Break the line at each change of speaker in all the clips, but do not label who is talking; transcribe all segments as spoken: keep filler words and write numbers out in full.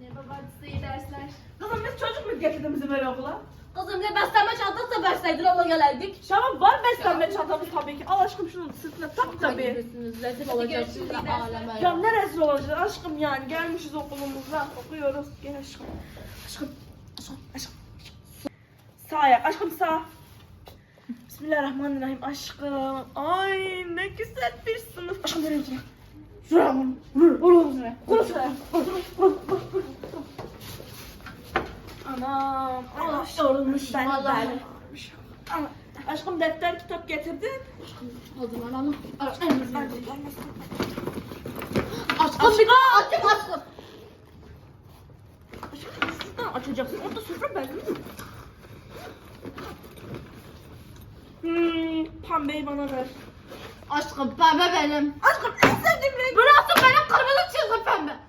Merhaba, size iyi dersler.
Kızım biz çocuk mu getirdin bizi böyle okula?
Kızım ne beslenme çantası da verseydin ona gelerdik.
Şaban var beslenme çantamız tabii ki. Al aşkım şunu sırtına tak tabii.
Gibirsiniz, rezil olacaksınız aleme.
Ya ne rezil olacağız aşkım yani gelmişiz okulumuza okuyoruz. Gel aşkım. Aşkım. Aşkım. Aşkım. Sağ ayak aşkım sağ. Bismillahirrahmanirrahim aşkım. Ay ne güzel bir sınıf. Aşkım nereye otur? Şuraya vur. Vur. Vur oğlum şuraya. Vur şuraya. Vur. Vur. Vur. Vur. Anam. Allah yorulmuş. Ben
Vallahi.
ben. Ana, aşkım defter kitap getirdin.
Hazırlanalım.
Aşkım
Aşkım bir açım aşkım.
şuradan açacaksın. Orada sofra ben değil mi? Hmm, pembeyi bana ver.
Aşkım pembe benim.
Aşkım en sevdiğim renk.
Burası benim kırmızı çizgi pembe.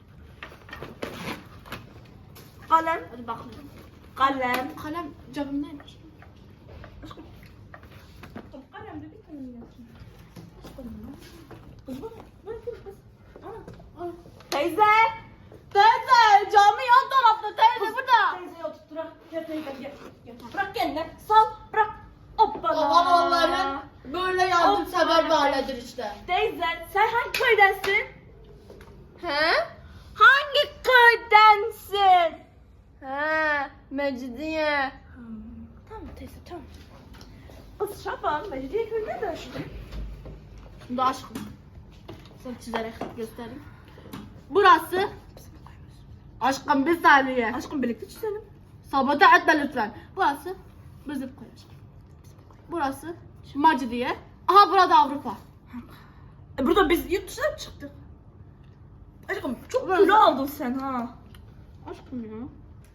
Kalem.
Hadi bakalım.
Kalem.
Kalem cebimdeymiş.
Aşkım. Aşkım kalem de bir tane mi yapsın? Aşkım. Kız bana. Bana kız kız. Ana. Ana. Teyze.
Teyze cami yan tarafta teyze burada.
Teyzeyi oturtturak. Gel teyze gel. Gel. Bırak kendine. Sal. Bırak. Hoppala.
Babam onların böyle yardımsever bir ailedir işte.
Teyze sen hangi köydensin?
He?
Hangi köydensin?
He, Mecidiye.
Hmm, tamam teyze tamam. Kız Şaban, Mecidiye köyü nerede aşkım?
Şimdi aşkım. Sana çizerek göstereyim. Burası. Aşkım bir saniye.
Aşkım birlikte çizelim.
Sabote etme lütfen. Burası bizim köy aşkım. Burası Mecidiye. Aha burada Avrupa.
E burada biz yurt dışına mı çıktık? Aşkım çok
Burası-
kilo aldın sen ha.
Aşkım ya.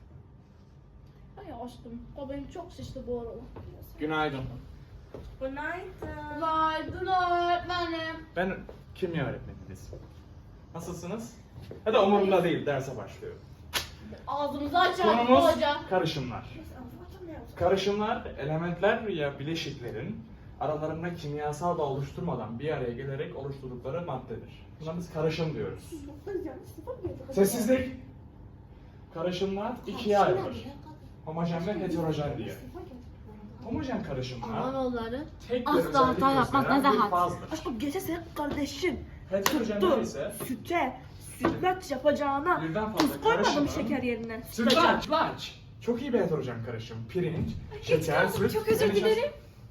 Ay aşkım. O benim çok şişti bu arada.
Günaydın.
Günaydın.
Günaydın öğretmenim.
Ben kimya öğretmeniniz. Nasılsınız? Ya da umurumda değil, derse başlıyorum.
Ağzımızı açalım
Konumuz
hoca.
karışımlar. Karışımlar, elementler ya bileşiklerin aralarında kimyasal bağ oluşturmadan bir araya gelerek oluşturdukları maddedir. Buna biz karışım diyoruz. Sessizlik. Karışımlar ikiye ayrılır. Homojen ve heterojen diye. Homojen karışımlar
Anadoluları
tek bir
asla
özellik
hata yapmaz,
gösteren bir
nezahat.
fazdır.
Aşkım gece senin kardeşin
Heterojenler
tuttu
ise
süte sütlaç yapacağına
birden fazla
tuz koymadım
karışımın-
şeker yerine. Sütlaca.
Sütlaç, sütlaç. Çok iyi bir heterojen karışım. Pirinç, şeker, süt.
çok özür
ve nişasta-
dilerim.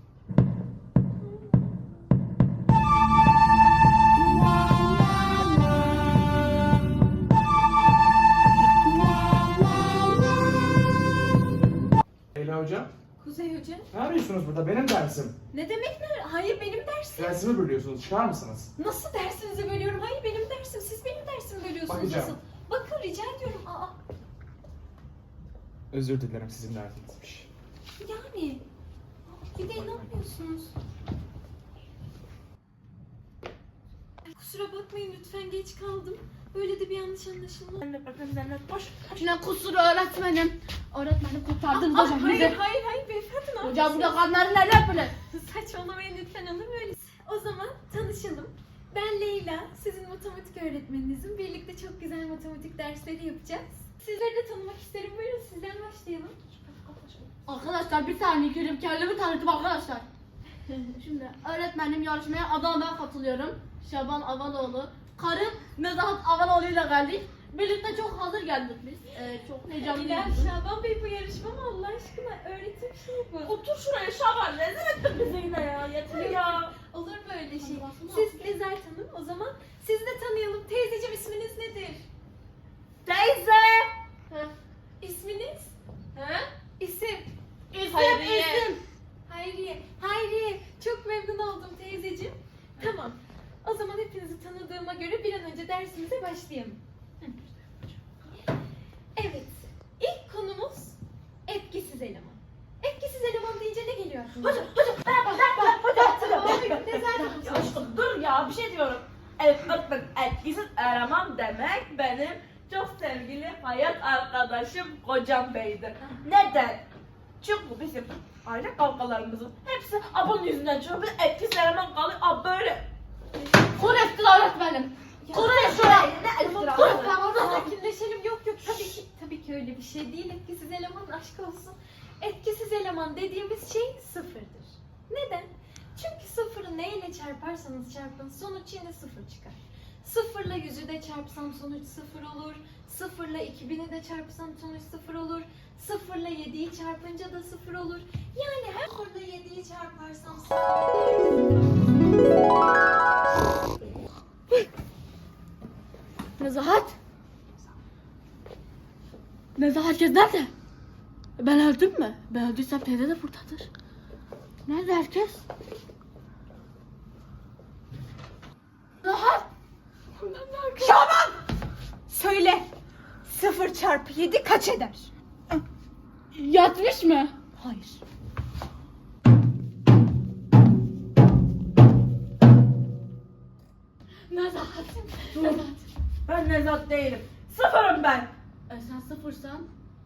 Leyla hocam,
Kuzey Hoca.
ne arıyorsunuz burada? Benim dersim.
Ne demek ne? Hayır benim dersim.
Dersimi bölüyorsunuz, çıkar mısınız?
Nasıl dersinizi bölüyorum? Hayır benim dersim. Siz benim dersimi bölüyorsunuz.
Bakacağım.
Nasıl? Bakın rica ediyorum. Aa,
Özür dilerim, sizin derdinizmiş.
yani. Bir de ne yapıyorsunuz? Kusura bakmayın lütfen geç kaldım. Böyle de bir yanlış anlaşılma.
Zennet bakın zennet boş.
Ne kusuru öğretmenim. Öğretmenim kurtardınız
Aa,
hocam
hayır,
bizi.
hayır hayır beyefendi ne
Hocam burada
yapıyorsunuz?
kanları neler böyle?
Saçmalamayın lütfen olur mu öyle? O zaman tanışalım. Ben Leyla, sizin matematik öğretmeninizim. Birlikte çok güzel matematik dersleri yapacağız. Sizleri de tanımak isterim. Buyurun sizden başlayalım.
Arkadaşlar bir saniye girip kendimi tanıtayım arkadaşlar. Şimdi öğretmenim yarışmaya Adana'dan katılıyorum. Şaban Avanoğlu. Karım Nezahat Avanoğlu ile geldik. Birlikte çok hazır geldik biz. Ee, çok
İlahi
heyecanlıyız.
Şaban Bey bu yarışma mı Allah aşkına? Öğretim şeyi bu.
Otur şuraya Şaban rezil ettin bizi yine ya. Yeter ya.
Olur mu öyle şey?
Hadi
Siz Nezahat Hanım o zaman sizi de tanıyalım. Teyzeciğim isminiz nedir?
Teyze.
Ha. İsminiz?
He?
İsim.
İsim
Hayriye.
isim.
Hayriye. Hayriye. Çok memnun oldum teyzeciğim. Tamam. O zaman hepinizi tanıdığıma göre bir an önce dersimize başlayalım. Evet. İlk konumuz etkisiz eleman. Etkisiz eleman deyince ne geliyor aklına?
Hocam hocam. Hocam hocam.
Tamam, buyurun. Nezahat
Ya
Hanım.
aşkım dur ya bir şey diyorum. Evet öpmek etkisiz eleman demek benim çok sevgili hayat arkadaşım Kocam Bey'dir. Neden? Çünkü bizim aile kavgalarımızın hepsi abun yüzünden çıkıyor. Bir etkisiz eleman kalıyor. Ab böyle.
Kur ettin öğretmenim. Kur ettin.
Ne
Tamam,
iftira?
tamam, tamam, sakinleşelim. Yok yok. şey değil, etkisiz eleman aşk olsun. Etkisiz eleman dediğimiz şey sıfırdır. Neden? Çünkü sıfırı neyle çarparsanız çarpın sonuç yine sıfır çıkar. Sıfırla yüzü de çarpsam sonuç sıfır olur. Sıfırla iki bini de çarpsam sonuç sıfır olur. Sıfırla yediyi çarpınca da sıfır olur. Yani her sıfırla yediyi çarparsam
Nezahat. Nezahat herkes nerede? Ben öldüm mü? Ben öldüysem teyze de buradadır. Nerede herkes? Nezahat.
Şaban! Söyle. Sıfır çarpı yedi kaç eder?
Yatmış mı?
Hayır.
Nezahat. Nezahat.
Ben Nezat değilim. Sıfırım ben.
E sen sıfırsan?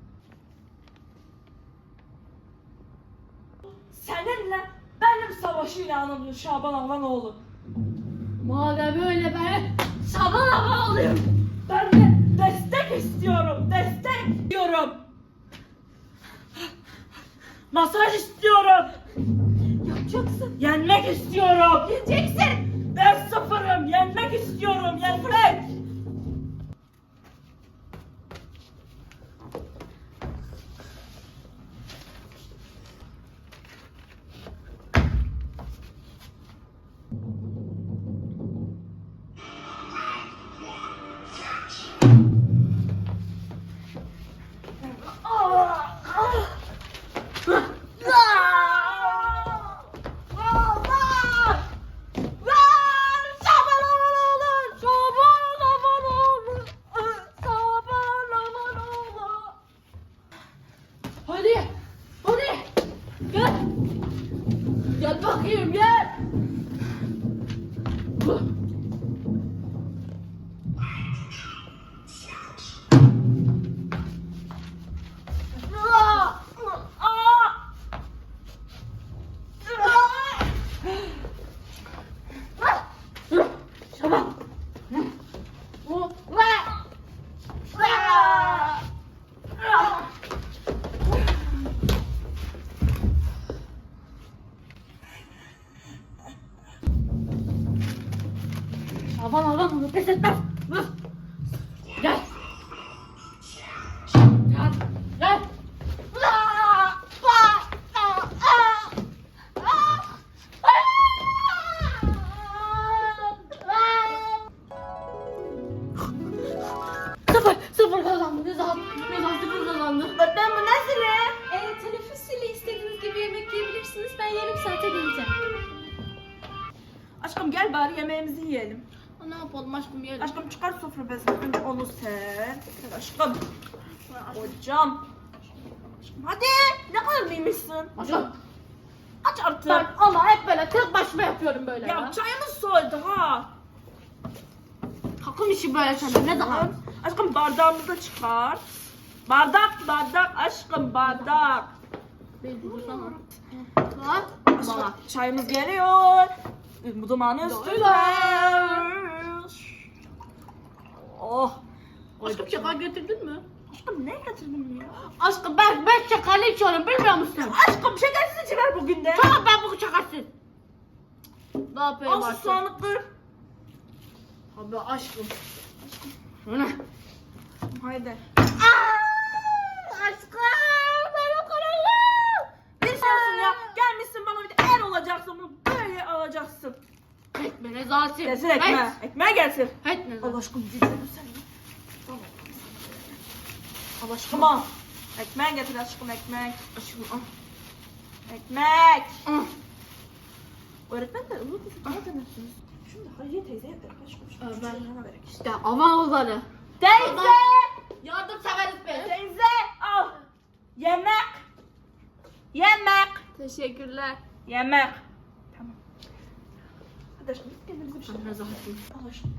Seninle benim savaşı ilanımdır Şaban Avanoğlu.
Madem öyle ben Şaban hava alıyorum.
Ben de destek istiyorum. Destek istiyorum. Masaj istiyorum.
Yapacaksın.
Yenmek istiyorum.
Yeneceksin.
Ben sıfırım. Yenmek istiyorum. Yenmek.
Hadi. Hadi. Gel. Gel bakayım gel. Şaban. Şaban Şaban onu pes etmez. Gel. Gel. Gel. Sıfır, sıfır kazandı. Nezahat, Nezahat sıfır kazandı.
Öğretmen bu nasıl?
Ee, teneffüsüyle istediğiniz gibi yemek yiyebilirsiniz. Ben yarım saate geleceğim.
Aşkım gel bari yemeğimizi yiyelim.
Ne yapalım aşkım yiyelim.
Aşkım çıkar sofra bezini. Önce onu ser. Ser aşkım. Hocam. Aşkım hadi. Ne kadar mıymışsın?
Aşkım.
Aç artık.
Ben ama hep böyle tek başıma yapıyorum böyle ya.
Ya çayımız soğudu ha.
Takım işi böyle sende Nezahat.
Aşkım bardağımızı da çıkar. Bardak bardak aşkım bardak.
Bir dursana. Bak.
Aşkım
Bana.
çayımız geliyor. Bu dumanı üstüne. Oh.
Aşkım şeker getirdin mi?
Aşkım ne getirdin ya?
Aşkım ben ben şekerli içiyorum bilmiyor musun?
Aşkım şekersiz içiver bugün de.
Tamam ben bu şekersiz. Ne yapayım
Olsun
aşkım?
soğanlıktır.
Abi aşkım. Bu ne?
Haydi.
Aşkım benim kararım.
Bir şey olsun ya. Gelmişsin bana bir de el olacaksın. Bunu böyle alacaksın.
Etme Nezahat'im.
Getir ekmeği. Ekmeği getir.
Etme Nezahat.
Allah aşkım güzelim sen ya.
Al aşkım.
Tamam. Ekmeği getir aşkım ekmek. Aşkım al. Ekmek.
Ah.
Öğretmen de ılık ılık bana demesin. Şunu da Hayriye teyzeye ver aşkım. Şunu
Ee,
şu
ben-
çocuğuna verek işte.
İşte Avanoğulları.
Teyze.
Yardım severiz be.
Teyze al. Yemek. Yemek.
Teşekkürler.
Yemek. Tamam. Hadi aşkım biz kendimize bir şey
Sen Nezahat'im.
Al aşkım.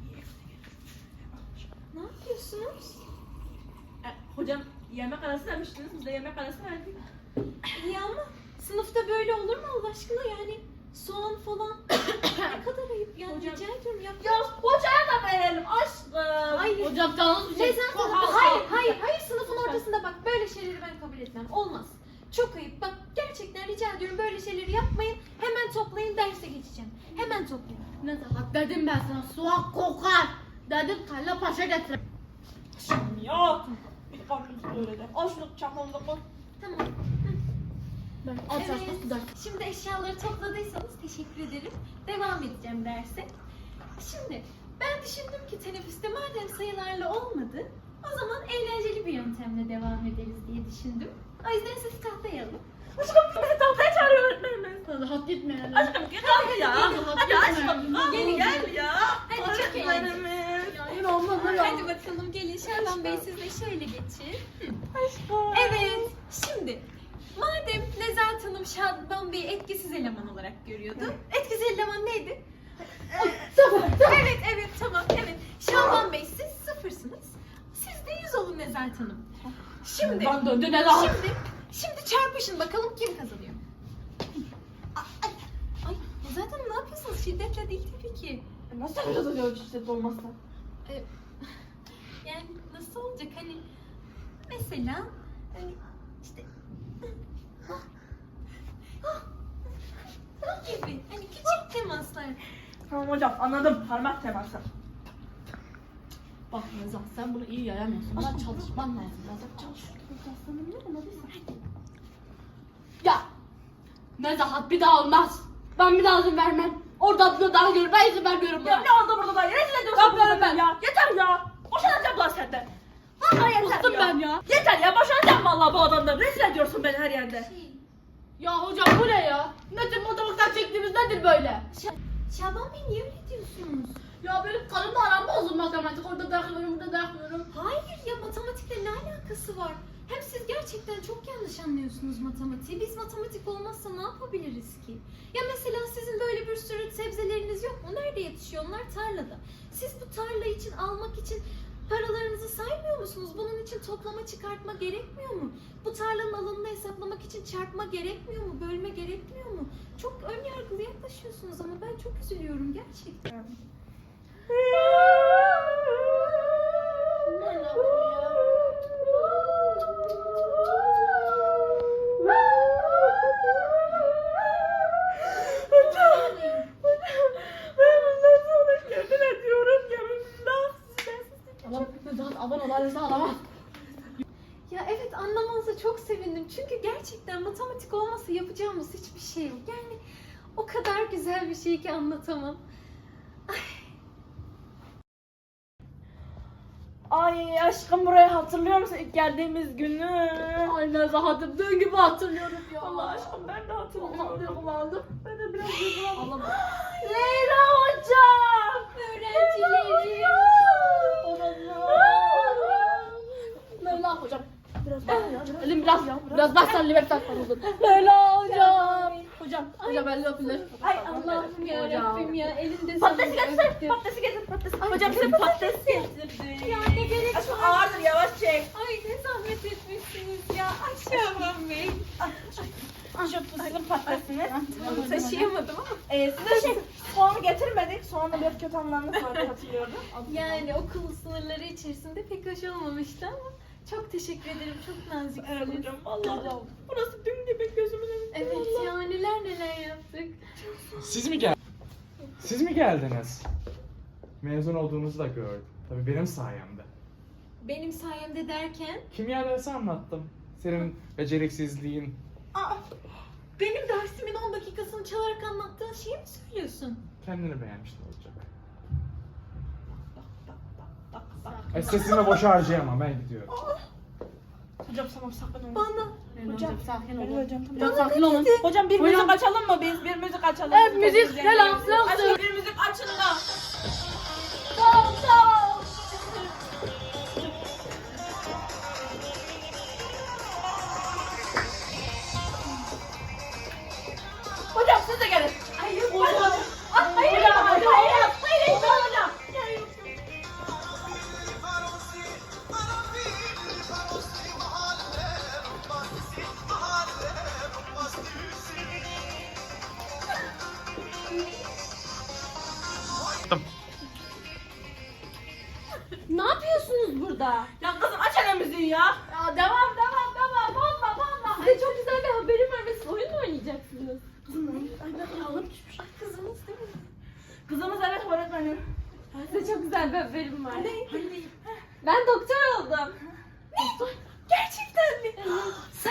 Ne yapıyorsunuz?
E, hocam yemek arası demiştiniz. Biz de yemek arası verdik.
İyi ama sınıfta böyle olur mu Allah aşkına yani? Soğan falan. Ne kadar ayıp yani
Hocam-
rica ediyorum yap.
Ya hocaya da verelim aşkım.
Hayır.
Hocam canınız bir şey.
Nezahat Hanım, hayır hayır hayır sınıfın ortasında aslında bak böyle şeyleri ben kabul etmem. Olmaz. Çok ayıp. Bak gerçekten rica ediyorum böyle şeyleri yapmayın. Hemen toplayın derse geçeceğim. Hemen toplayın.
Nezahat dedim ben sana soğuk kokar. Dedim kalla paşa getir.
Şimdi ya. Bir karnımız böyle de. Al şunu çakmamıza koy.
Tamam.
Ben aç aç
Evet.
ders.
Şimdi eşyaları topladıysanız teşekkür ederim. Devam edeceğim derse. Şimdi ben düşündüm ki teneffüste madem sayılarla olmadı, o zaman eğlenceli bir yöntemle devam ederiz diye düşündüm. O yüzden siz tahtaya alın.
Aşkım bizi tahtaya çağırıyor öğretmenimiz.
Nezahat gitme yani.
Aşkım gel hadi ya. Hadi aşkım.
Gelin,
Gel ya.
Hadi çok eğlenceli.
Öğretmenimiz.
Ya yine olmadı ya.
Hadi bakalım gelin Şaban Bey siz de şöyle geçin.
Aşkım.
Evet, şimdi madem Nezahat Hanım Şaban Bey'i etkisiz eleman olarak görüyordu. Etkisiz eleman neydi? Evet, evet, tamam, evet. Şaban Bey siz sıfırsınız. Siz de yüz olun Nezahat Hanım. Şimdi,
Ben döndü Nezahat.
şimdi, şimdi çarpışın bakalım kim kazanıyor. Ay, ay, ay Nezahat Hanım ne yapıyorsunuz? Şiddetle değil tabii ki.
Nasıl yapacağız acaba şiddet olmazsa?
Ee, yani nasıl olacak hani mesela hani işte bu gibi hani küçük temaslar.
Tamam hocam anladım. Parmak teması.
Bak Nezahat sen bunu iyi yayamıyorsun. Buna çalışman lazım. Nezahat çalış. Ya Nezahat bir daha olmaz. Ben bir daha izin vermem. Orada bunu daha görür. Ben izin vermiyorum
Ya
buna.
ne oldu burada da? Rezil ediyorsun
Yapmıyorum
bizi
ben.
ya. Yeter ya. Boşanacağım lan senden. Vallahi yeter
Bıktım
ya.
ben ya.
Yeter ya boşanacağım vallahi bu adamdan. Rezil ediyorsun beni her yerde.
Şey,
Ya hocam bu ne ya? Ne tür motorluktan çektiğimiz nedir böyle?
Şa- Şaban Bey niye öyle diyorsunuz?
Ya benim karımla aram bozuldu matematik. Orada bırakıyorum, burada bırakmıyorum.
Hayır ya matematikle ne alakası var? Hem siz gerçekten çok yanlış anlıyorsunuz matematiği. Biz matematik olmazsa ne yapabiliriz ki? Ya mesela sizin böyle bir sürü sebzeleriniz yok mu? Nerede yetişiyor? Onlar tarlada. Siz bu tarla için almak için paralarınızı saymıyor musunuz? Bunun için toplama çıkartma gerekmiyor mu? Bu tarlanın alanını hesaplamak için çarpma gerekmiyor mu? Bölme gerekmiyor mu? Çok ön yargılı yaklaşıyorsunuz ama ben çok üzülüyorum gerçekten.
Bunlar ne yapıyor ya?
Hocam. Ben bundan sonra yemin ediyorum yeminler size.
Tamam Nezahat aman olaylarsa alamaz.
Ya evet anlamanıza çok sevindim. Çünkü gerçekten matematik olmasa yapacağımız hiçbir şey yok. Yani o kadar güzel bir şey ki anlatamam.
Ay aşkım burayı hatırlıyor musun ilk geldiğimiz günü?
Ay Nezahat'ım dün gibi hatırlıyorum ya.
Allah aşkım ben de
Allah
hatırlıyorum.
duygulandım.
Ben de biraz duygulandım.
Allah
Leyla hocam.
Öğrencilerim.
Leyla hocam.
Biraz bak ya. Biraz.
Elim biraz biraz bak sen libep tak parıldın. Leyla hocam. Hocam. Hocam elini öpülür.
Ay
Allah'ım ya
Hocam.
Rabbim ya elinde
Patatesi
sonunda
getir.
öptüm.
Patatesi getir. Patatesi.
Ay,
Hocam size patates getirdi.
Ya ne gerek
Aşkım
var?
ağırdır yavaş çek.
Ay ne zahmet etmişsiniz ya. Ay Şaban Bey.
Şu fıstıklı patatesini.
Taşıyamadım ama.
Ee, size şey soğanı getirmedik. Soğanla biraz kötü anlamda sonra hatırlıyordum.
Yani okul sınırları içerisinde pek hoş olmamıştı ama çok teşekkür ederim. Çok naziksiniz.
Evet hocam vallahi. Burası dün gibi gözümün önünde.
Evet
vallahi.
ya neler neler yaptık.
Siz mi gel? Siz mi geldiniz? Mezun olduğunuzu da gördüm. Tabii benim sayemde.
Benim sayemde derken
Kimya dersi anlattım. Senin beceriksizliğin.
Aa, benim dersimin on dakikasını çalarak anlattığın şeyi mi söylüyorsun?
Kendini beğenmiştin olacak.
Bak bak bak bak.
Ay sesimi boşa harcayamam ben gidiyorum.
Hocam tamam sakın olun.
Bana
Leyla
Hocam,
hocam sakin
Evet
olun.
hocam tamam.
Biraz sakin olun.
Hocam bir
Hocam.
müzik açalım mı biz? Bir müzik açalım.
Evet, müzik.
Çok
Selam,
güzel.
selam.
Açın bir müzik açın da.
Tamam tamam.
Hocam siz de gelin.
Ay yok
Hocam.
Ah, hayır,
Hocam,
hayır,
hayır,
hayır.
hayır, hayır, hocam.
Ne yapıyorsunuz burada?
Ya kızım aç hele müziği ya.
Ya devam
kızınız?
Kızım, ay ben ağır düşmüş.
Kızınız değil mi?
Kızımız evet öğretmenim.
Size çok güzel bir haberim var.
Hadi.
Ben doktor oldum.
Gerçekten mi? Sen